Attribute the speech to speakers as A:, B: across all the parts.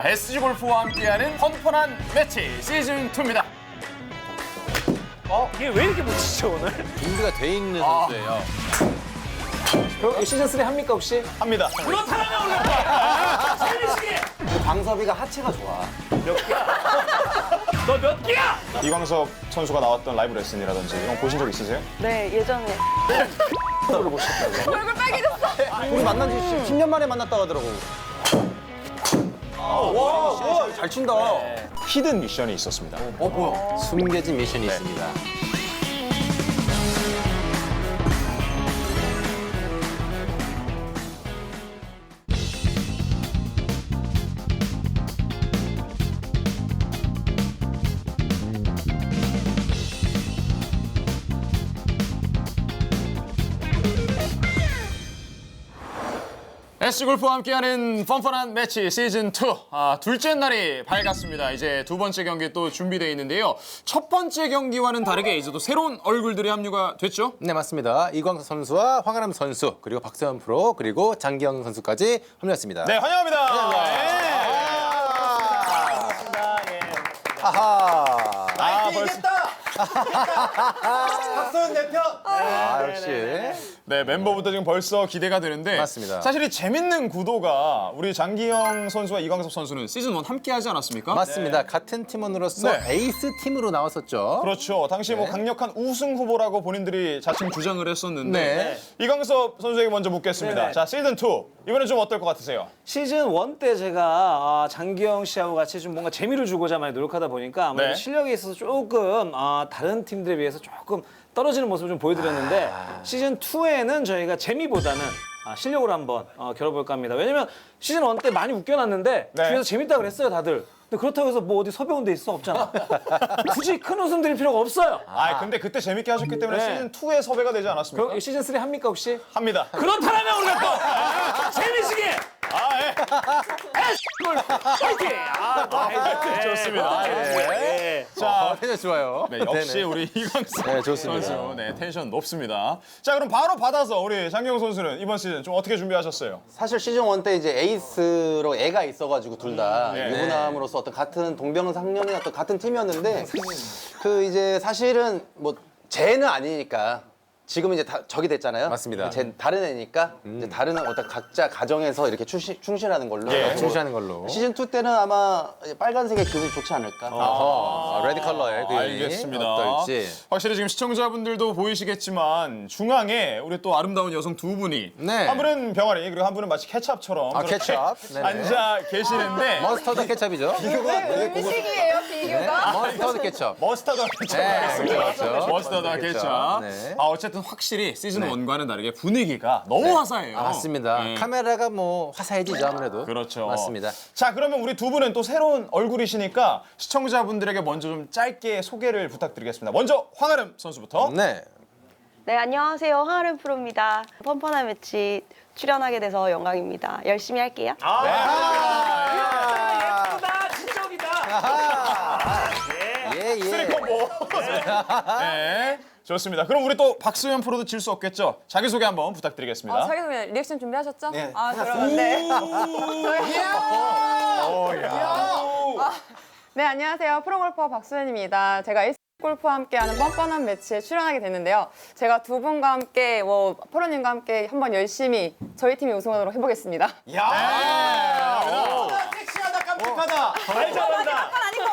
A: SG골프와 함께하는 펀펀한 매치 시즌2입니다.
B: 이게 왜 이렇게 못 치죠 오늘?
C: 준비가 돼 있는 선수예요.
B: 그럼 시즌 3 합니까 혹시?
A: 합니다.
B: 그렇다면 올렸다. 재미있게.
D: 광섭이가 하체가 좋아.
B: 너 몇 개야?
E: 이광석 선수가 나왔던 라이브 레슨이라든지 이런 거 보신 적 있으세요?
F: 네, 예전에. 얼굴 빨개졌어.
D: 우리 만난 지 10년 만에 만났다고 하더라고. 와, 잘 친다.
E: 히든 미션이 있었습니다.
D: 뭐야?
C: 숨겨진 미션이 있습니다.
A: SG골프와 함께하는 펀펀한 매치 시즌2. 둘째 날이 밝았습니다. 이제 두 번째 경기 또 준비되어 있는데요. 첫 번째 경기와는 다르게 이제 또 새로운 얼굴들이 합류가 됐죠?
C: 네, 맞습니다. 이광석 선수와 황아람 선수, 그리고 박세현 프로, 그리고 장기영 선수까지 합류했습니다.
E: 네, 환영합니다.
D: 하하.
E: 박서연 내 편.
C: 역시.
A: 네, 멤버부터 지금 벌써 기대가 되는데
C: 맞습니다.
A: 사실 이 재밌는 구도가 우리 장기영 선수와 이광석 선수는 시즌1 함께 하지 않았습니까?
C: 맞습니다. 같은 팀원으로서
A: 네.
C: 에이스 팀으로 나왔었죠.
E: 그렇죠. 당시 뭐 강력한 우승 후보라고 본인들이 자칭
A: 주장을 했었는데
C: 네.
E: 이광석 선수에게 먼저 묻겠습니다.
B: 네네.
E: 자, 시즌2 이번엔 좀 어떨 것 같으세요?
B: 시즌 1 때 제가 장기영 씨하고 같이 좀 뭔가 재미를 주고자 많이 노력하다 보니까 아무래도
A: 네.
B: 실력에 있어서 조금 다른 팀들에 비해서 조금 떨어지는 모습을 좀 보여드렸는데 시즌 2에는 저희가 재미보다는 실력으로 한번 겨뤄볼까 합니다. 왜냐면 시즌 1 때 많이 웃겨놨는데
E: 네.
B: 주위에서 재밌다 그랬어요 다들. 근데 그렇다고 해서 뭐 어디 섭외온 데 있어? 없잖아. 굳이 큰 웃음 드릴 필요가 없어요.
E: 근데 그때 재밌게 하셨기 때문에
B: 네.
E: 시즌2에 섭외가 되지 않았습니까?
B: 그럼 시즌 3 합니까 혹시?
E: 합니다.
B: 그렇다면 우리가 또 재미지게 파이팅!
A: 좋습니다.
C: 자, 텐션 좋아요.
A: 네, 역시 우리 이광석
C: 네, 좋습니다.
A: 선수 네, 텐션 높습니다.
E: 자, 그럼 바로 받아서 우리 장기영 선수는 이번 시즌 좀 어떻게 준비하셨어요?
D: 사실 시즌 1 때 이제 에이스로 애가 있어가지고 둘 다
E: 네.
D: 유부남으로서 어떤 같은 동병상련의 어떤 같은 팀이었는데 그 이제 사실은 뭐 쟤는 아니니까. 지금은 이제 적이 됐잖아요.
C: 맞습니다.
D: 쟤 다른 애니까 이제 다른 어떤 각자 가정에서 이렇게 충실하는 걸로.
E: 예.
C: 중시하는 걸로.
D: 시즌 2 때는 아마 빨간색의 기분이 좋지 않을까.
C: 레드 컬러의 그
A: 알겠습니다.
C: 어떨지.
A: 확실히 지금 시청자분들도 보이시겠지만 중앙에 우리 또 아름다운 여성 두 분이
C: 네.
E: 한 분은 병아리 그리고 한 분은 마치 케찹처럼 그렇게
C: 케찹. 네네.
E: 앉아 계시는데
C: 머스터드 케첩이죠.
F: 음식이에요, 비교가?
C: 머스터드 케첩.
E: 머스타드 케찹
C: 네,
E: 하겠습니다.
C: 그렇죠.
A: 머스타드와 케찹.
C: 네.
A: 어쨌든 확실히 시즌 1과는 다르게 분위기가 너무 화사해요.
C: 맞습니다.
A: 네.
C: 카메라가 뭐 화사해지죠 아무래도.
A: 그렇죠.
C: 맞습니다.
E: 자, 그러면 우리 두 분은 또 새로운 얼굴이시니까 시청자분들에게 먼저 좀 짧게 소개를 부탁드리겠습니다. 먼저 황아름 선수부터.
C: 네.
F: 네, 안녕하세요. 황아름 프로입니다. 펀펀한 매치 출연하게 돼서 영광입니다. 열심히 할게요.
B: 예쁘다 진적이다.
C: 예.
A: 네. 좋습니다. 그럼 우리 또 박수현 프로도 질 수 없겠죠? 자기소개 한번 부탁드리겠습니다.
G: 자기소개 리액션 준비하셨죠?
D: 네.
G: 그럼 네. 네, 안녕하세요. 프로골퍼 박수현입니다. 제가 골프와 함께하는 뻔뻔한 매치에 출연하게 됐는데요. 제가 두 분과 함께, 프로님과 함께 한번 열심히 저희 팀이 우승하도록 해보겠습니다.
D: 섹시하다, 깜찍하다.
B: 잘 잘한다.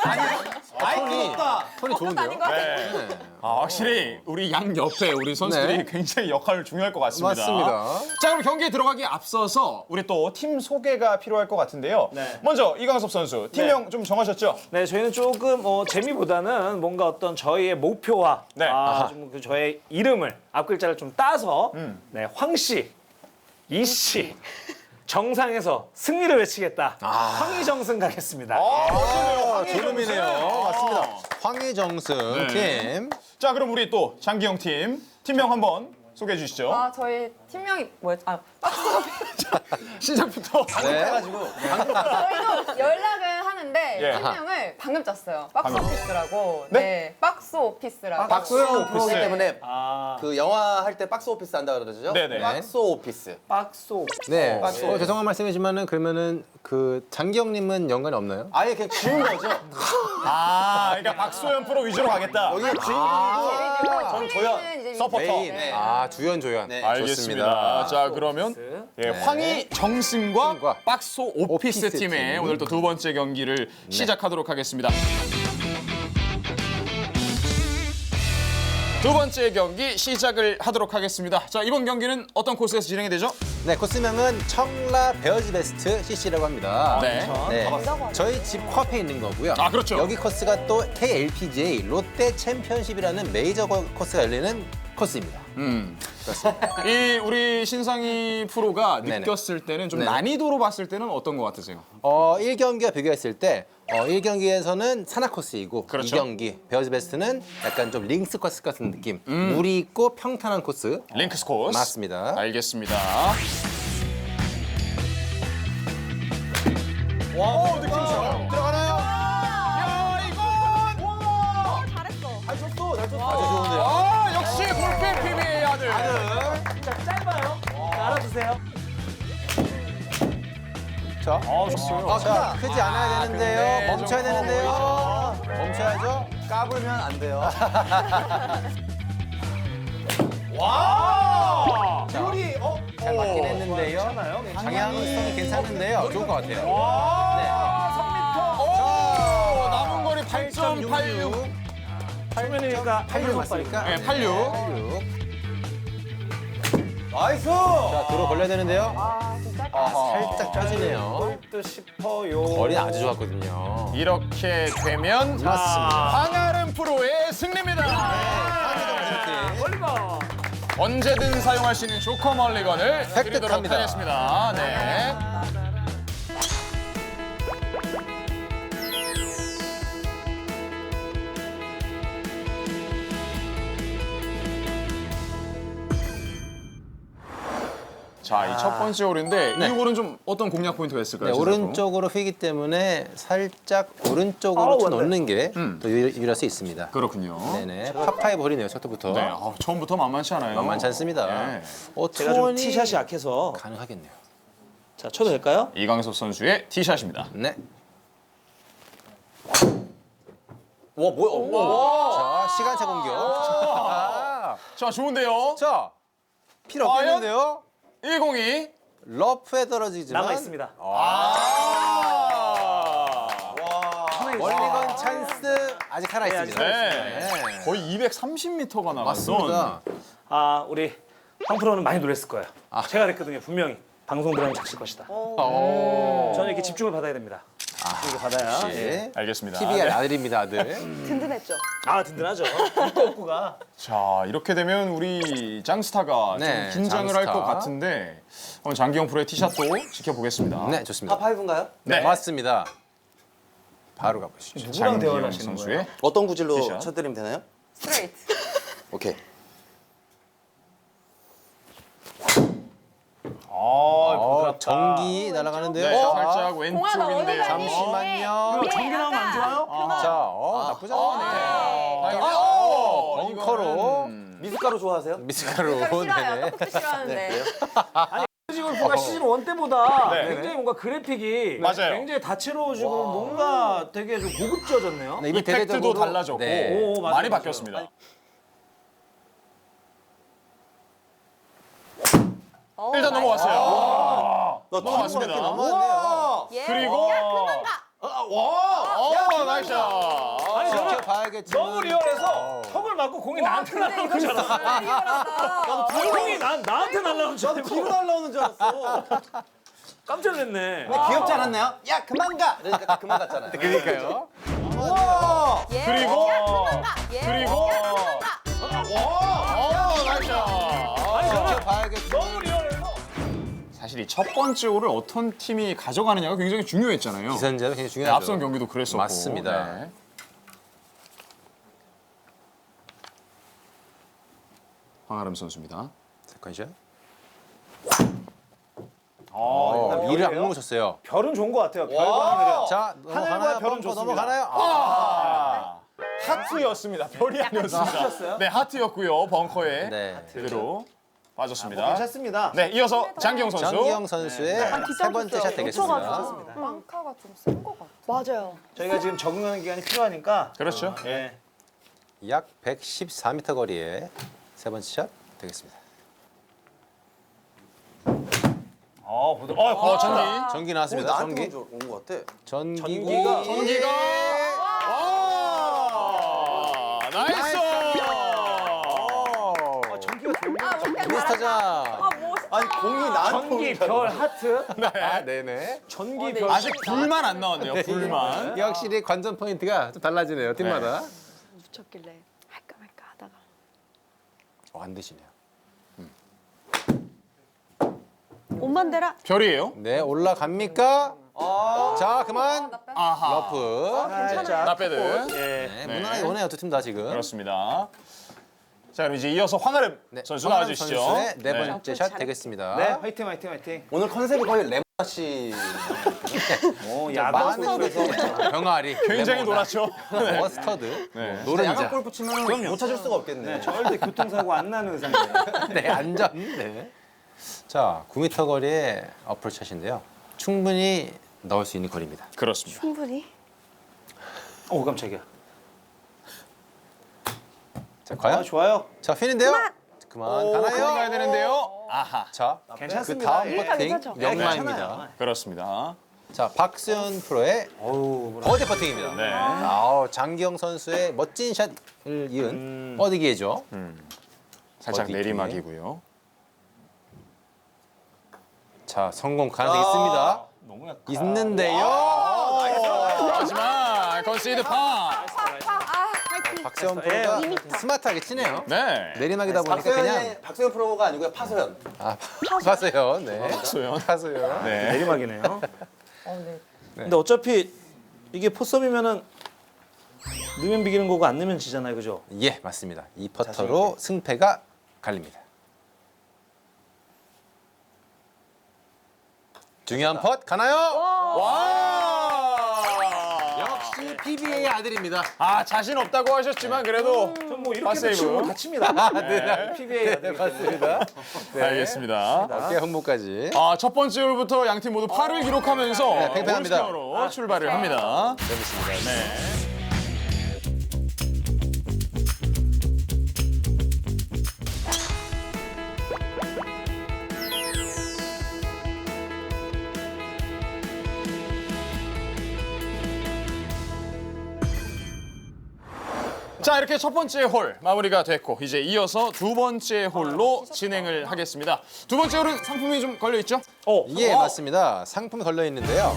C: 톤이 좋은데요?
A: 네. 확실히 우리 양 옆에 우리 선수들이
C: 네.
A: 굉장히 역할을 중요할 것 같습니다.
C: 맞습니다.
A: 자, 그럼 경기에 들어가기 앞서서
E: 우리 또 팀 소개가 필요할 것 같은데요.
B: 네.
E: 먼저 이광섭 선수 팀명 좀 정하셨죠?
B: 네, 저희는 조금 재미보다는 뭔가 어떤 저희의 목표와
E: 네.
B: 좀 그 저의 이름을 앞글자를 좀 따서 네, 황씨, 이씨 정상에서 승리를 외치겠다. 황희정승 가겠습니다.
C: 좋음이네요. 맞습니다. 황희정승 팀.
E: 자, 그럼 우리 또 장기영 팀명 한번 소개해 주시죠.
G: 저희 팀명이 뭐였죠?
A: 시작부터
C: 네.
G: 저희도 연락은 하는데 네, 팀명을 방금 짰어요. 박스
E: 방금.
G: 오피스라고.
E: 네?
G: 네, 박스 오피스라고.
D: 박소영 프로기 때문에
B: 아,
D: 그 영화 할 때 박스 오피스 한다 그러죠?
E: 네네.
D: 박스 오피스.
B: 박소.
C: 네.
D: 박소.
C: 죄송한 말씀이지만은 그러면은 그 장기영님은 연관이 없나요?
D: 아예 그냥 지은 거죠.
E: 아, 그러니까 박소연 프로 위주로 가겠다.
D: 여기가 주인공이고
G: 전
D: 조연,
G: 이제
E: 서포터.
D: 메인.
G: 네.
C: 아 주연 조연.
D: 네.
E: 알겠습니다. 자, 그러면 예, 황희 정승과
C: 승과
E: 박소 오피스
C: 오피스
E: 팀의
C: 팀.
E: 오늘 또 두 번째 경기를 시작하도록 하겠습니다. 두 번째 경기 시작을 하도록 하겠습니다. 자, 이번 경기는 어떤 코스에서 진행이 되죠?
C: 네, 코스명은 청라 베어즈 베스트 CC라고 합니다.
E: 네.
C: 네. 저희 집 코앞에 있는 거고요.
E: 아, 그렇죠.
C: 여기 코스가 또 KLPGA 롯데 챔피언십이라는 메이저 코스가 열리는 코스입니다.
A: 이 우리 신상희 프로가
C: 네네.
A: 느꼈을 때는 좀
C: 네네.
A: 난이도로 봤을 때는 어떤 것 같으세요?
C: 1경기와 비교했을 때 1경기에서는 산악 코스이고
A: 그렇죠.
C: 2경기 베어즈 베스트는 약간 좀 링스 코스 같은 느낌. 물이 있고 평탄한 코스.
A: 링크스 코스.
C: 맞습니다.
A: 알겠습니다.
E: 와, 느낌 좋아요.
C: 들어가나요?
A: 야, 이건
F: 잘했어.
C: 아주 좋은데요.
A: 아, 역시 볼펜 PB의 아들.
B: 진짜 짧아요. 알아주세요.
C: 자, 자, 크지 않아야 되는데요.
A: 근데
C: 멈춰야
A: 좀
C: 되는데요. 멈춰야죠.
D: 까불면 안 돼요.
E: 와!
C: 자, 잘 맞긴 했는데요. 방향성이 괜찮은데요. 좋을 것 같아요.
A: 오, 남은 거리 8.86.
B: 8면이니까
C: 86 맞습니까?
A: 네, 86.
C: 86.
D: 나이스!
C: 자, 들어 걸려야 되는데요.
F: 아, 진짜.
C: 살짝 짜지네요.
B: 또 싶어요.
C: 거리 아주 좋았거든요.
A: 이렇게 되면
C: 맞습니다.
A: 황아름 프로의 승리입니다.
B: 멀리가.
A: 언제든 사용할 수 있는 조커 멀리건을 드리도록
C: 획득합니다.
A: 하겠습니다. 네. 자, 이 첫 번째 홀인데 이 홀은 좀 어떤 공략 포인트가 있을까요?
C: 네,
A: 진짜로?
C: 오른쪽으로 휘기 때문에 살짝 오른쪽으로 좀 넣는 게 더 유리할 수 있습니다.
A: 그렇군요.
C: 네네. 파5 홀이네요, 첫부터.
A: 네, 처음부터 만만치 않아요.
C: 만만치 않습니다.
A: 네.
B: 제가 좀
C: 투혼이
B: 티샷이 약해서.
C: 가능하겠네요.
B: 자, 쳐도 될까요?
A: 이광섭 선수의 티샷입니다.
C: 네.
D: 와, 뭐야?
C: 자, 시간차 공격.
A: 자, 좋은데요.
C: 자, 필요 없겠는데요?
A: 102.
C: 러프에 떨어지지만
B: 남아 있습니다.
C: 멀리건 찬스 아직 살아 있습니다.
A: 네. 거의 230m가 나갔던.
C: 맞습니다.
B: 아, 우리 황 프로는 많이 놀랐을 거예요. 제가 그랬거든요, 분명히. 방송 들어가면 작실 것이다. 저는 이렇게 집중을 받아야 됩니다. 이렇게 받아야.
C: 역시
B: 예.
A: 알겠습니다.
C: TV의
A: 네.
C: 아들입니다, 아들.
F: 든든했죠.
B: 아, 든든하죠. 있고 없고가.
A: 자, 이렇게 되면 우리 짱스타가
C: 네,
A: 좀 긴장을 할 것
C: 짱스타.
A: 같은데 한번 장기영 프로의 티샷도 지켜보겠습니다.
C: 네, 좋습니다.
D: 파5인가요?
A: 네.
C: 맞습니다. 바로 가보시죠.
B: 누구랑 대화를
A: 장기영
B: 하시는
A: 선수의
B: 거예요?
D: 어떤 구질로
A: 티샷.
D: 쳐드리면 되나요?
G: 스트레이트.
D: 오케이.
C: 전기 날아가는데요.
A: 네,
C: 자,
A: 살짝
G: 공아
A: 왼쪽인데요.
G: 넣어도
C: 잠시만요.
B: 전기 나오면 안 좋아요?
C: 자, 나쁘지 않네. 벙커로
D: 미숫가루 좋아하세요?
C: 미숫가루.
G: 싫어요.
C: 네네.
G: 떡국도 싫어하는데.
B: 골프가 시즌 1 때보다
A: 네.
B: 굉장히 뭔가 그래픽이
A: 맞아요.
B: 굉장히 다채로워지고 뭔가 되게 좀 고급져졌네요.
C: 네, 이게
A: 이펙트도
C: 대대적으로
A: 달라졌고
C: 네.
B: 오, 맞아요,
A: 많이
B: 맞아요.
A: 바뀌었습니다. 일단 넘어왔어요. 넘어왔습니다.
C: 넘어왔네요.
F: 예.
A: 그리고
F: 야, 그만 가.
A: 나이스 샷.
B: 아니, 저는
C: 지켜봐야겠지만.
B: 너무 리얼해서 턱을 맞고 공이 나한테 날아오는 줄 알았어. 공이 나한테 날아오는 줄 알고
D: 뒤로 날라오는 줄 알았어.
B: 깜짝 놀랐네.
D: 귀엽지 않았나요? 야, 그만 가! 그러니까 딱 그만 갔잖아요.
C: 그러니까요.
F: 예.
A: 그리고
F: 야, 그만 가. 예.
A: 그리고
F: 야, 그만 가.
A: 나이스 샷.
C: 지켜봐야겠지만.
B: 너무 리얼해서.
A: 사실 이 첫 번째 홀을 어떤 팀이 가져가느냐가 굉장히 중요했잖아요.
C: 기선제압이 굉장히
A: 네,
C: 중요하죠.
A: 앞선 경기도 그랬었고.
C: 맞습니다.
A: 네. 황아름 선수입니다.
C: 세컨샷.
B: 아,
C: 미를 안 놓으셨어요.
B: 별은 좋은 것 같아요. 별과 하늘은.
C: 자,
B: 하늘과
C: 넘어가나요?
E: 별은
C: 벙커
E: 좋습니다.
C: 넘어가나요?
E: 하트였습니다. 별이 아니었습니다. 네, 하트였고요. 벙커에
C: 네.
E: 그대로 빠졌습니다.
B: 괜찮습니다.
E: 네, 이어서 장기영 선수.
C: 장기영 선수의 세 번째 샷 되겠습니다.
G: 빵카가 좀 센 것 같아.
F: 맞아요.
B: 저희가 지금 적응하는 기간이 필요하니까
E: 그렇죠.
B: 예.
C: 약 114m 거리에 세 번째 샷 되겠습니다.
E: 전기.
C: 전기 나왔습니다.
D: 나한테
C: 전기.
D: 먼저 온 것 같아.
C: 전기가
E: 전기가. 와! 나이스!
C: 미스터자.
D: 아니 공이 나한테
B: 전기 별 하트.
C: 네네.
B: 전기 별.
E: 아직 불만 안 나왔네요. 불만.
C: 이게 확실히 관전 포인트가 좀 달라지네요. 팀마다.
F: 붙였길래 할까 말까 하다가.
C: 안 드시네요.
F: 옷만 대라.
E: 별이에요?
C: 네, 올라갑니까? 자, 그만.
E: 아하.
C: 러프.
B: 살짝.
E: 나빼드.
C: 네, 무난하게 오네요, 두 팀 다 지금.
E: 그렇습니다. 자, 그럼 이제 이어서 황아름
C: 네,
E: 선수
C: 황아름
E: 나와주시죠.
C: 선수의 네 번째 샷 되겠습니다.
B: 네, 화이팅 화이팅 화이팅.
D: 오늘 컨셉이 거의 레몬씨.
B: 오, 야구 골프에서
C: 병아리.
E: 굉장히
C: 레모나,
E: 노랗죠.
C: 머스터드.
E: 네.
C: 노른자.
D: 야간 골프 치면 못 찾을 수가 없겠네.
B: 절대 교통사고 안 나는 의상이에요.
C: 네, 안전. 네. 자, 9m 거리의 어프로치샷인데요. 충분히 넣을 수 있는 거리입니다.
E: 그렇습니다.
F: 충분히.
B: 오, 깜짝이야.
C: 자, 과연?
B: 좋아요.
C: 자, 핀인데요. 그만
E: 그만
C: 가나요?
E: 가야 되는데요. 아하.
C: 자, 그
B: 괜찮습니다.
C: 다음
B: 예.
C: 퍼팅
F: 괜찮죠?
C: 영마입니다.
E: 그렇습니다.
C: 자, 박수현 프로의 버디 퍼팅입니다.
E: 네.
C: 장기영 선수의 멋진 샷을 이은 버디 기회죠.
E: 살짝
C: 어디
E: 내리막이고요.
C: 자, 성공 가능성이 있습니다.
B: 너무 약간.
C: 있는데요.
E: 하지만 컨시드 파.
C: 박수현 프로가 스마트하게 치네요.
E: 네.
C: 내리막이다 보니까 그냥
D: 박소연 프로가 아니고요 파소연.
C: 파세요. 네.
E: 박수현.
C: 파세요.
E: 네.
B: 내리막이네요. 근데 어차피 이게 포섭이면은 넣으면 비기는 거고 안 넣으면 지잖아요, 그죠?
C: 예, 맞습니다. 이 퍼터로 승패가 갈립니다. 중요한 펫 가나요?
E: 와!
C: 역시 PBA의 아들입니다.
E: 아, 자신 없다고 하셨지만 그래도
B: 전뭐 이렇게
E: 파세이브.
B: 치고 다칩니다.
C: 네,
B: PBA
C: 네, 맞습니다.
E: 알겠습니다.
C: 어깨 홍보까지.
E: 첫 번째 홀부터 양 팀 모두 8을 기록하면서
C: 네, 팽팽합니다.
E: 올스코어로 출발을 합니다.
C: 재밌습니다.
E: 네. 자, 이렇게 첫 번째 홀 마무리가 됐고 이제 이어서 두 번째 홀로 진행을 하겠습니다. 두 번째 홀은 상품이 좀 걸려 있죠?
C: 예, 맞습니다. 상품이 걸려 있는데요.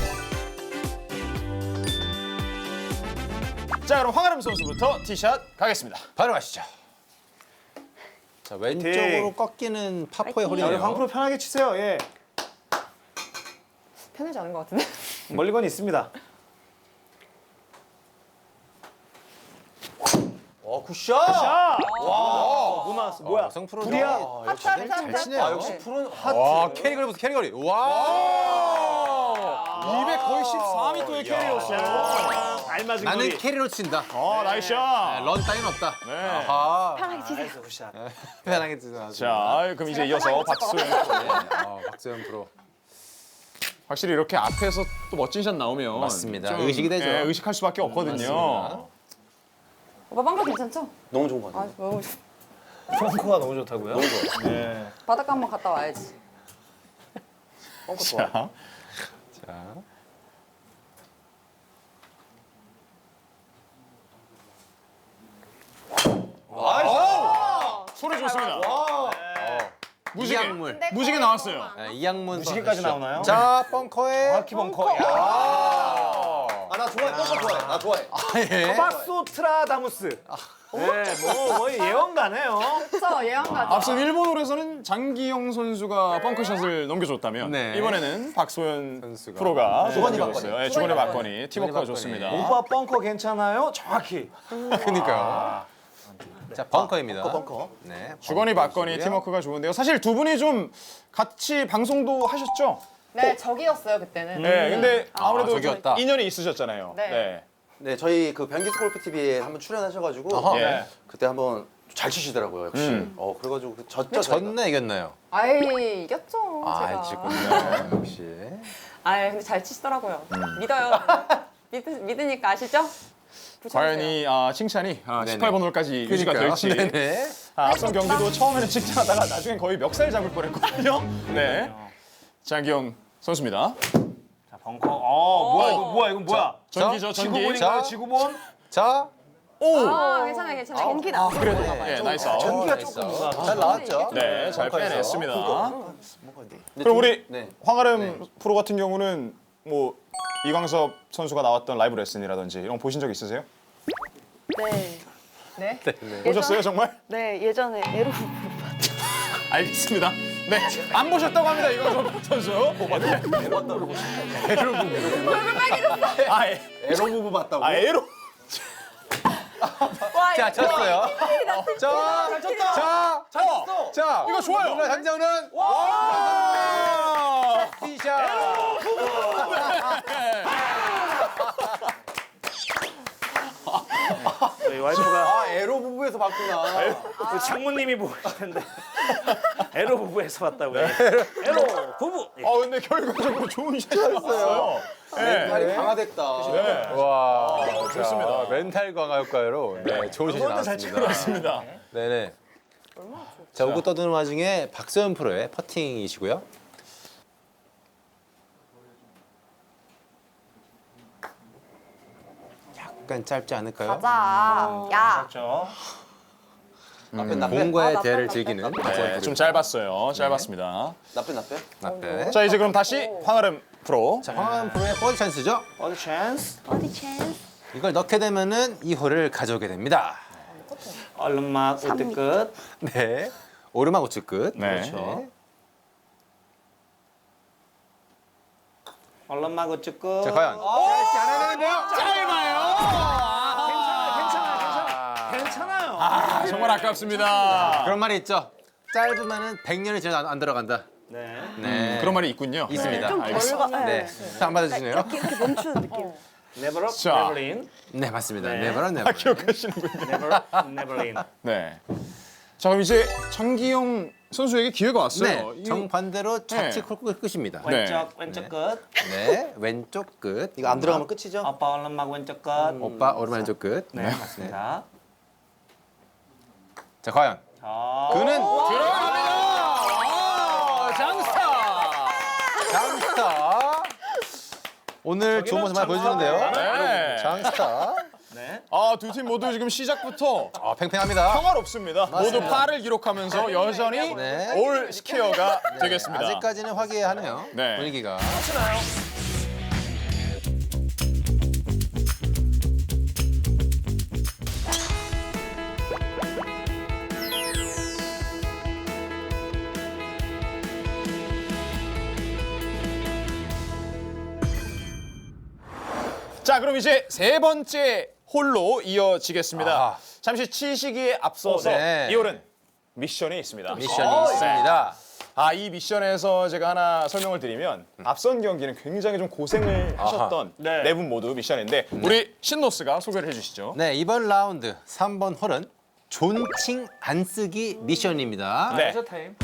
E: 자, 그럼 황아름 선수부터 티샷 가겠습니다.
C: 바로 가시죠. 자, 왼쪽으로 꺾이는 파포의
F: 화이팅.
C: 홀이네요.
B: 황프로 편하게 치세요. 예.
G: 편하지 않은 것 같은데.
B: 멀리건 있습니다.
D: 굿샷.
B: 뭐 나왔어? 뭐야?
C: 성프로
B: 불이야.
C: 역시 잘 치네요.
D: 역시 프로는 하트.
C: 와, 캐리거리부터 캐리거리. 와!
E: 200 거의 14m의 캐리였어요.
B: 알맞은
C: 나는
B: 거리.
C: 캐리로 친다.
E: 나이스 샷.
C: 런 따윈 없다.
E: 네.
C: 아하.
F: 편하게 치세요.
B: 굿샷.
C: 편하게 치자.
E: 자, 그럼 이제 이어서 박수현.
C: 박수현 프로.
E: 확실히 이렇게 앞에서 또 멋진 샷 나오면
C: 맞습니다. 의식이 되죠.
E: 의식할 수밖에 없거든요.
G: 오빠 빵카 괜찮죠?
D: 너무 좋은 것 같아.
G: 아, 너무 좋.
B: 펑크가 너무 좋다고요? 너무 좋아.
G: 바닷가 한번 갔다 와야지.
E: 자,
C: 자.
E: 소리 좋습니다. 무지개.
C: 이양물.
E: 무지개 나왔어요.
C: 이양문
B: 무지개까지
C: 선수.
B: 나오나요?
C: 자, 벙커에
B: 바퀴 벙커. 야.
D: 나 좋아해. 뻥커 좋아해. 나 좋아해.
C: 예.
B: 박소트라다무스. 네, 뭐 거의 예언가네요.
G: 그쵸, 예언가.
E: 앞선 일본 홀에서는 장기영 선수가 벙커샷을 넘겨줬다면
C: 네.
E: 이번에는 박소연
C: 선수가.
E: 프로가
D: 주거니
E: 넘겨줬어요. 네, 주거니 맞거니 팀워크가
C: 맞거니.
E: 좋습니다.
B: 오빠 벙커 괜찮아요? 정확히.
C: 그러니까요. 자, 벙커입니다.
D: 벙커.
C: 네.
E: 주거니
C: 벙커
E: 맞거니
C: 보시고요.
E: 팀워크가 좋은데요. 사실 두 분이 좀 같이 방송도 하셨죠?
G: 네, 적이었어요 그때는.
A: 네, 근데 아무래도
C: 저기였다.
A: 인연이 있으셨잖아요.
G: 네.
D: 네, 저희 그 변기스 골프 TV에 한번 출연하셔가지고
C: 어허.
A: 예.
D: 그때 한번 잘 치시더라고요, 역시. 그래가지고 졌죠, 저희가.
C: 졌나 이겼나요?
G: 아이 이겼죠 제가.
C: 지금 역시.
G: 아이 근데 잘 치시더라고요. 믿어요. 믿으니까 아시죠?
A: 과연 이 칭찬이
C: 네네.
A: 18번 홀까지 유지가
C: 그러니까요.
A: 될지.
C: 네네.
A: 앞선 경기도 처음에는 칭찬하다가 나중엔 거의 멱살 잡을 뻔했거든요. 네. 장기영 선수입니다.
B: 자, 벙커. 뭐야 이건 뭐야?
A: 전기죠, 전기.
B: 지구본인가요? 지구본?
C: 자,
A: 오!
G: 아 괜찮아요.
F: 전기 나.
A: 그래도 예, 나이스 아웃.
C: 전기가 잘 나왔죠.
A: 네, 잘
C: 벙커에서.
A: 빼냈습니다.
D: 근데
A: 그럼 우리
D: 네.
A: 황아름 프로 같은 경우는 뭐 이광섭 선수가 나왔던 라이브 레슨이라든지 이런 거 보신 적 있으세요?
F: 네.
G: 네.
A: 보셨어요, 정말?
F: 네, 예전에 에로
A: 알겠습니다. 네, 안 보셨다고 합니다, 이광섭 선수. 에로
D: 에러 부부 봤다고?
A: 에로.
C: 자, 쳤어요. 자, 자,
A: 이거 좋아요.
C: 오늘 당장은
A: 와!
C: 티샷.
B: 저희 와이프가
D: 에러 부부에서 봤구나.
B: 그 장모님이 보실 텐데 에로 부부에서 봤다고요. 에로 부부. 예.
A: 근데 결과적으로 좋은 샷이었어요.
D: 멘탈이 강화됐다.
C: 와,
A: 좋습니다.
C: 멘탈 강화 효과로 네, 좋은 샷이 나왔습니다.
A: 그렇습니다.
C: 네네. 자, 오고 떠드는 와중에 박소연 프로의 퍼팅이시고요. 약간 짧지 않을까요?
G: 가자. 야.
B: 그렇죠.
C: 공과의 대를 즐기는
A: 네, 좀 짧았어요. 짧았습니다.
D: 나빼.
C: 나빼.
A: 자, 이제 그럼 다시 황아름 프로.
C: 자, 황한 프로의 버디 찬스죠.
B: 어디 찬스?
F: 어디 찬스?
C: 이걸 넣게 되면은 이 홀을 가져오게 됩니다.
B: 얼른막 우드 끝.
C: 네. 오르막 우측 끝.
A: 네.
C: 그렇죠.
B: 얼른막 우측 끝.
C: 자, 과연.
B: 괜찮아요.
A: 정말 아깝습니다.
C: 그런 말이 있죠. 짧으면은 100년이 지나도 안 들어간다.
B: 네.
C: 네.
A: 그런 말이 있군요.
C: 있습니다.
F: 좀 덜가.
C: 네. 안 받아주시네요.
F: 이렇게 멈추는 느낌.
B: Never up,
A: 자.
B: never in.
C: 네, 맞습니다.
B: 네.
C: 네버런 네버.
A: 기억하시는군요.
B: Never up, never in.
A: 네. 자, 그럼 이제 장기영 선수에게 기회가 왔어요.
C: 네. 정반대로 좌측 홀 끝입니다.
A: 네.
B: 왼쪽 끝.
C: 네. 왼쪽 끝.
D: 이거 안 들어가면 끝이죠?
B: 아빠 얼른막 왼쪽 끝.
C: 오빠 오르막 왼쪽 끝.
B: 네, 맞습니다.
C: 자, 과연.
B: 자,
C: 그는 장스타. 오늘 좋은 모습 많이 보여주는데요.
A: 네.
C: 장스타.
B: 네.
A: 두 팀 모두 지금 시작부터
C: 팽팽합니다.
A: 평화롭습니다. 모두 파를 기록하면서 여전히
C: 네.
A: 올 스퀘어가 되겠습니다.
C: 아직까지는 화기애애하네요.
A: 네.
C: 분위기가.
A: 자, 그럼 이제 세 번째 홀로 이어지겠습니다.
C: 아.
A: 잠시 치시기에 앞서서
C: 네.
A: 이 홀은 미션이 있습니다.
C: 미션이 있습니다.
A: 이 미션에서 제가 하나 설명을 드리면 앞선 경기는 굉장히 좀 고생을 하셨던
B: 네.
A: 네 분 모두 미션인데 우리 신노스가 소개를 해주시죠.
C: 네, 이번 라운드 3번 홀은 존칭 안 쓰기 미션입니다.
A: 네.
B: 타임.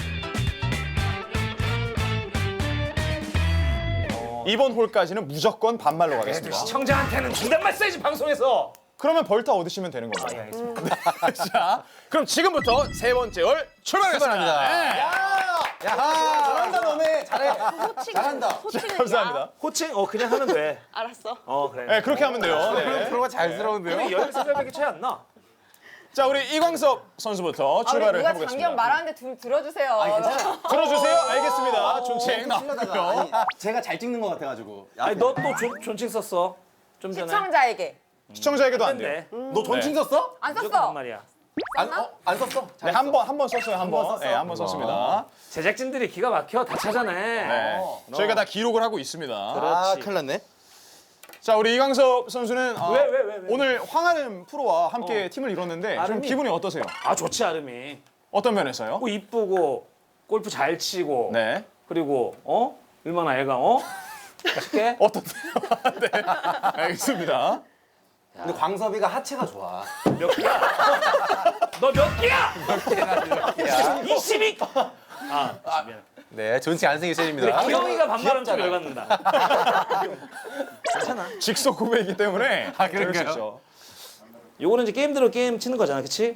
A: 이번 홀까지는 무조건 반말로 가겠습니다.
B: 시청자한테는 존댓말 써야지 방송에서.
A: 그러면 벌타 얻으시면 되는
B: 예,
A: 거죠.
B: 알겠습니다.
A: 자, 그럼 지금부터 세 번째 홀 출발하겠습니다.
C: 출발합니다.
A: 네.
C: 야하!
D: 잘한다, 너네. 잘해.
F: 호칭.
D: 잘한다.
F: 호칭은
A: 감사합니다.
B: 호칭 그냥 하면 돼.
F: 알았어.
B: 그래.
A: 네, 그렇게 하면 돼요. 네.
C: 프로가 잘스러운데요.
B: 13살밖에 차이 안 나.
A: 자, 우리 이광섭 선수부터 출발을
G: 누가
A: 해보겠습니다.
G: 장기영 말하는데 들어주세요.
D: 괜찮아요.
A: 들어주세요. 알겠습니다. 존칭 나왔고요.
D: 아니, 제가 잘 찍는 것 같아가지고.
B: 아니 너 또 존칭 썼어. 좀 전에.
G: 시청자에게.
A: 시청자에게도 안 돼요.
B: 근데
D: 너 존칭 썼어?
G: 안
B: 무조건
G: 썼어.
B: 한 말이야.
D: 안 썼어?
A: 네, 한 번 썼어요. 한 번. 네, 한 번 썼습니다.
B: 제작진들이 기가 막혀 다 찾아내.
A: 네. 저희가 다 기록을 하고 있습니다.
D: 아,
B: 그렇지.
D: 큰일 났네.
A: 자, 우리 이광섭 선수는
B: 왜?
A: 오늘 황하름 프로와 함께 팀을 이뤘는데 좀
B: 아름이?
A: 기분이 어떠세요?
B: 아 좋지 아름이.
A: 어떤 면에서요?
B: 이쁘고 골프 잘 치고
A: 네.
B: 그리고 얼마나 애가 쉽게?
A: 어떤데요? 네, 알겠습니다.
D: 근데 광섭이가 하체가 좋아.
B: 몇 개야? 너 몇 개야?
C: 몇 개야?
B: 22. 미안.
C: 네, 존칭 안승희 쌤입니다.
B: 기영이가 반말하면 좀 열받는다.
A: 직속 구매이기 때문에
C: 아, 그런가요?
A: 그럴 수 있죠.
B: 요거는 이제 게임대로 게임 치는 거잖아, 그치?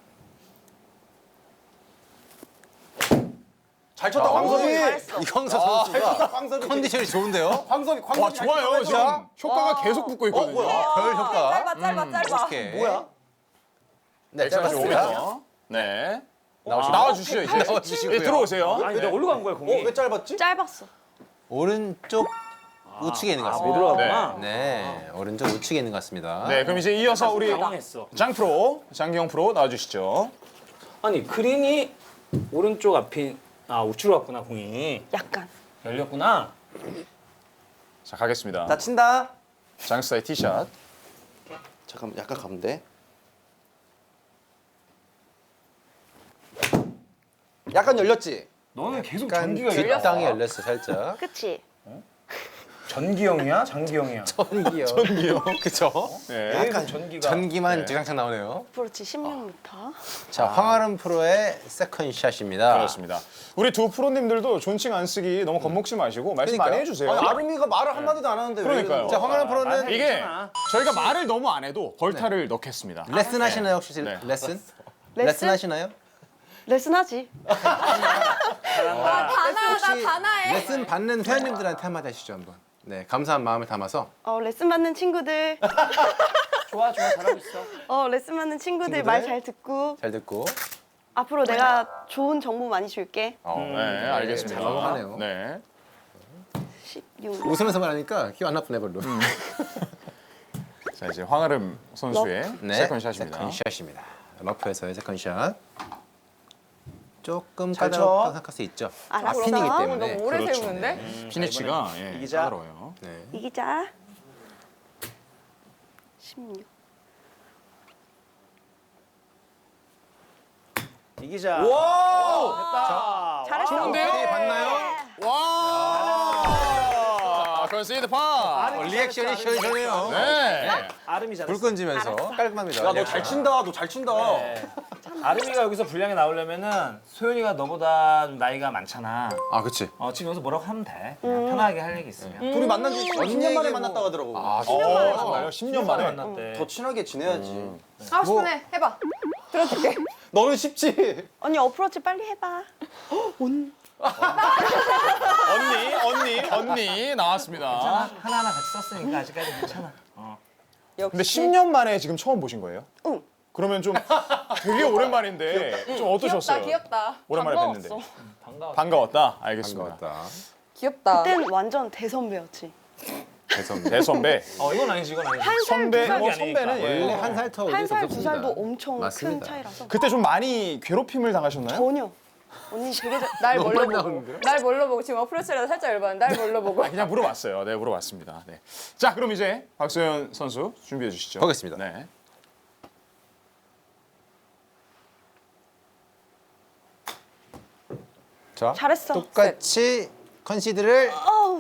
D: 잘 쳤다 광섭이.
F: 잘했어.
C: 이광섭
D: 잘
C: 선수가
D: 쳤다 광섭이.
C: 컨디션이 좋은데요?
D: 광섭이
A: 와, 좋아요. 지금 효과가 계속 붙고 있거든요.
D: 뭐야?
C: 별 효과.
F: 짧아.
C: 오케이.
D: 뭐야?
C: 네, 짧았습니다.
A: 145m. 네.
C: 나오시죠.
A: 나와주시죠, 이제.
C: 나와주시고요.
A: 네, 들어오세요.
B: 아니, 내가 어디로 간 거야, 공이?
D: 왜 짧았지?
F: 짧았어.
C: 오른쪽 우측에 있는 것
B: 못
C: 같습니다.
B: 들어갔구나.
C: 네, 오른쪽 우측에 있는 것 같습니다.
A: 네, 그럼 이제 이어서 우리
B: 당황했어.
A: 장 프로, 장기영 프로 나와주시죠.
B: 아니, 그린이 오른쪽 앞이 우측으로 갔구나, 공이.
F: 약간.
B: 열렸구나.
A: 자, 가겠습니다.
D: 나 친다.
A: 장스타의 티샷.
D: 잠깐만 약간 가면 돼. 약간 열렸지?
B: 너는 계속
C: 약간 뒷땅이 열렸어, 살짝.
F: 그치?
B: 전기형이야? 장기형이야?
C: 전기요. 전기요. 그쵸?
A: 네.
B: 약간 전기가.
C: 전기만 주장창 나오네요.
F: 그렇지 16m.
C: 자, 황아름 프로의 세컨샷입니다.
A: 그렇습니다. 우리 두 프로님들도 존칭 안 쓰기 너무 겁먹지 마시고 말씀 많이 해주세요.
D: 아니, 아름이가 말을 한마디도 안 하는데 왜
A: 그러니까요.
D: 이러는
C: 자,
D: 거야?
C: 황아름 프로는
A: 이게
B: 괜찮아.
A: 저희가 말을 너무 안 해도 벌타를 넣겠습니다.
C: 레슨 하시나요, 혹시?
A: 네.
C: 레슨?
F: 레슨?
C: 하시나요?
F: 레슨 하지.
C: 혹시 레슨 받는 회원님들한테 한마디 하시죠, 한번. 네, 감사한 마음을 담아서.
F: 레슨 받는 친구들.
B: 좋아, 잘하고 있어.
F: 레슨 받는 친구들 말 잘 듣고
C: 잘 듣고.
F: 앞으로 내가 좋은 정보 많이 줄게.
A: 네, 알겠습니다.
C: 잘 넘어가네요.
A: 네.
F: 16.
C: 웃으면서 말하니까 기분 안 나쁘네, 별로.
A: 자, 이제 황아름 선수의
C: 네,
A: 세컨샷입니다.
C: 세컨샷입니다. 러프에서의 세컨샷. 조금
D: 잘 쳐.
C: 까다롭다고 생각할 수 있죠.
F: 알았어.
C: 핀이기
G: 너무
C: 때문에.
G: 오래
A: 그렇죠.
G: 세우는데?
A: 피니치가
B: 이기자.
A: 까다로워요.
C: 네.
F: 이기자. 16.
B: 이기자.
D: 와!
B: 됐다.
F: 잘했어.
A: 좋은데요?
C: 오케이, 봤나요?
A: 와! 컨시드 파!
C: 리액션이 시원시원해요.
A: 네.
B: 아름이 잘했어.
C: 불 끈지면서 깔끔합니다.
D: 야 너 잘 친다. 너 잘 친다.
B: 아름이가 여기서 분량이 나오려면은 소연이가 너보다 좀 나이가 많잖아.
C: 아, 그치.
B: 지금 여기서 뭐라고 하면 돼. 그냥 편하게 할 얘기 있으면.
D: 둘이 만난 지 10년 만에
C: 얘기고.
D: 만났다고 하더라고.
C: 아,
A: 정말요? 10년 만에?
B: 만났대.
D: 더 친하게 지내야지.
G: 하고 싶은 해. 해봐. 들어줄게.
D: 너는 쉽지.
F: 언니 어프로치 빨리 해봐.
A: 언니 나왔습니다.
B: 하나하나 같이 썼으니까 아직까지 괜찮아.
A: 근데 10년 만에 지금 처음 보신 거예요?
F: 응.
A: 그러면 좀 되게 오랜만인데 좀 어떠셨어요?
G: 귀엽다.
A: 오랜만에 뵀는데.
F: 반가웠어.
A: 반가웠다. 알겠습니다.
C: 반가웠다.
G: 귀엽다.
F: 그땐 완전 대선배였지.
C: 대선배.
A: 대선배.
B: 이건 아니지, 이건 아니지.
F: 한 살,
A: 선배,
F: 두 살,
A: 뭐
B: 아니니까.
A: 선배는
C: 원래
A: 예.
C: 한 살 더
F: 한
C: 어릴 수
F: 살, 두
C: 없습니다.
F: 살도 엄청
C: 맞습니다.
F: 큰 차이라서.
A: 그때 좀 많이 괴롭힘을 당하셨나요?
F: 전혀. 언니 되게 잘.
G: 날
C: 너무
G: 뭘로
C: 많이
G: 보고.
C: 나오는데요?
G: 날 뭘로 보고 지금 어프로치라도 살짝 열받는 날 뭘로 보고.
A: 그냥 물어봤어요. 네, 물어봤습니다. 네. 자, 그럼 이제 박소연 선수 준비해 주시죠.
C: 보겠습니다.
A: 네.
C: 자,
F: 잘했어.
C: 똑같이 컨시드를
F: 어우.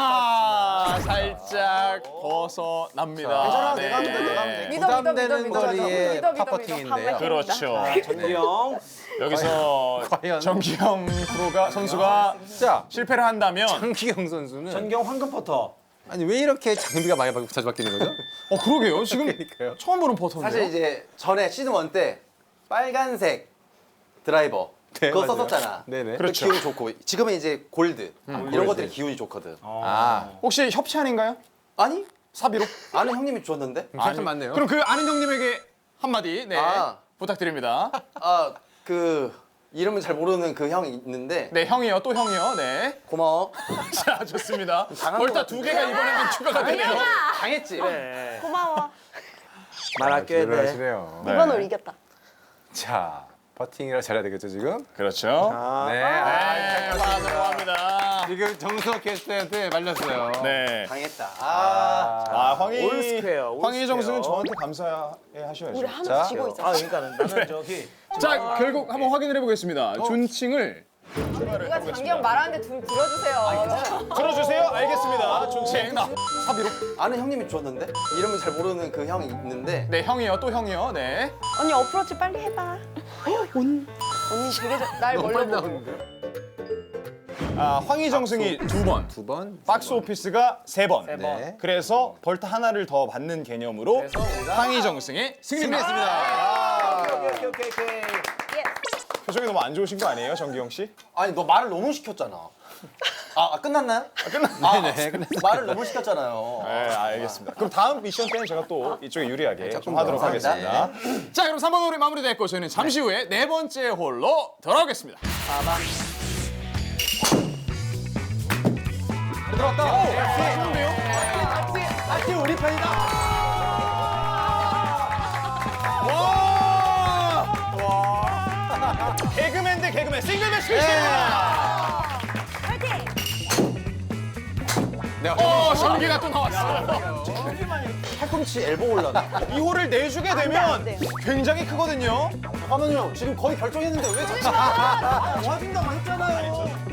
A: 살짝 벗어납니다.
D: 괜찮아, 내가 하면 돼, 내가 하면 돼.
G: 믿어,
C: 부담되는
G: 믿어.
C: 거리의
G: 믿어.
C: 파퍼팅인데요.
A: 그렇죠.
B: 전기형.
A: 여기서
C: 과연.
A: 정기영 프로가 선수가
C: 자,
A: 실패를 한다면
C: 장기경 선수는
B: 전기형 황금 퍼터.
C: 아니 왜 이렇게 장비가 많이 자주 바뀌는 거죠?
A: 그러게요. 지금
C: 그러니까요.
A: 처음 보는 퍼터인데요.
D: 사실 이제 전에 시즌 1 때 빨간색 드라이버
C: 네,
D: 그거
C: 맞아요.
D: 썼었잖아.
C: 네네.
D: 그
A: 그렇죠.
D: 기운이 좋고 지금은 이제 골드 이런
C: 골드.
D: 것들이 기운이 좋거든.
C: 아,
A: 혹시 협찬인가요?
D: 아니?
A: 사비로?
D: 아는 형님이 줬는데?
C: 참 많네요.
A: 그럼 그 아는 형님에게 한마디
D: 아.
A: 부탁드립니다.
D: 아, 그 이름은 잘 모르는 그 형이 있는데
A: 네, 형이요. 또 형이요. 네.
D: 고마워.
A: 자, 좋습니다.
D: 당한
A: 벌타
D: 것
A: 두 개가 이번에는 추가가 되네요.
D: 당했지?
F: 고마워.
B: 말 아껴야
C: 를
B: 돼.
C: 하시네요.
A: 네.
F: 이번으로 이겼다.
C: 자, 퍼팅이라 잘해야 되겠죠 지금?
A: 그렇죠.
C: 네.
A: 네, 반갑습니다.
C: 지금 정석 게스트한테 말렸어요.
A: 네.
D: 당했다.
A: 황희
B: 올 스퀘어, 올
A: 황희 정수는
B: 스퀘어.
A: 저한테 감사해 하셔야죠.
F: 우리 하나 지고 있었어.
B: 그러니까는 나는 저기
A: 자, 결국 한번 확인을 해보겠습니다. 존칭을
G: 누가 장기영 말하는데 좀 들어주세요.
A: 들어주세요. 알겠습니다. 존칭.
D: 사비로? 아는 형님이 줬는데? 이름을 잘 모르는 그 형이 있는데
A: 네, 형이요. 또 형이요. 네.
F: 언니 어프로치 빨리 해봐. 언니 되게
G: 날 뭘로 보고.
A: 황희정승이 2번.
C: 2번.
A: 박스 오피스가 3번.
C: 네.
A: 그래서 벌트 하나를 더 받는 개념으로 황희정승의 승리입니다.
B: 오케이.
A: 표정이 너무 안 좋으신 거 아니에요, 정기영 씨?
D: 아니 너 말을 너무 시켰잖아. 끝났나요?
C: 네, 끝났어요.
D: 말을 너무 시켰잖아요.
A: 네, 알겠습니다. 그럼 다음 미션 때는 제가 또 이쪽에 유리하게 좀 하도록
D: 감사합니다.
A: 하겠습니다. 자, 그럼 3번 홀이 마무리됐고 저희는 잠시 후에 4번째 홀로 돌아오겠습니다.
D: 들어왔다.
A: 좋은데요?
D: 아티 우리 편이다.
A: 개그맨 대 개그맨 싱글 매치 있습니다. 전기가 또 나왔어요.
D: 팔꿈치 엘보 올라가.
A: 이 홀을 내주게 되면 굉장히 크거든요.
D: 잠깐만요. 지금 거의 결정했는데 왜 자꾸 와준다고 했잖아요.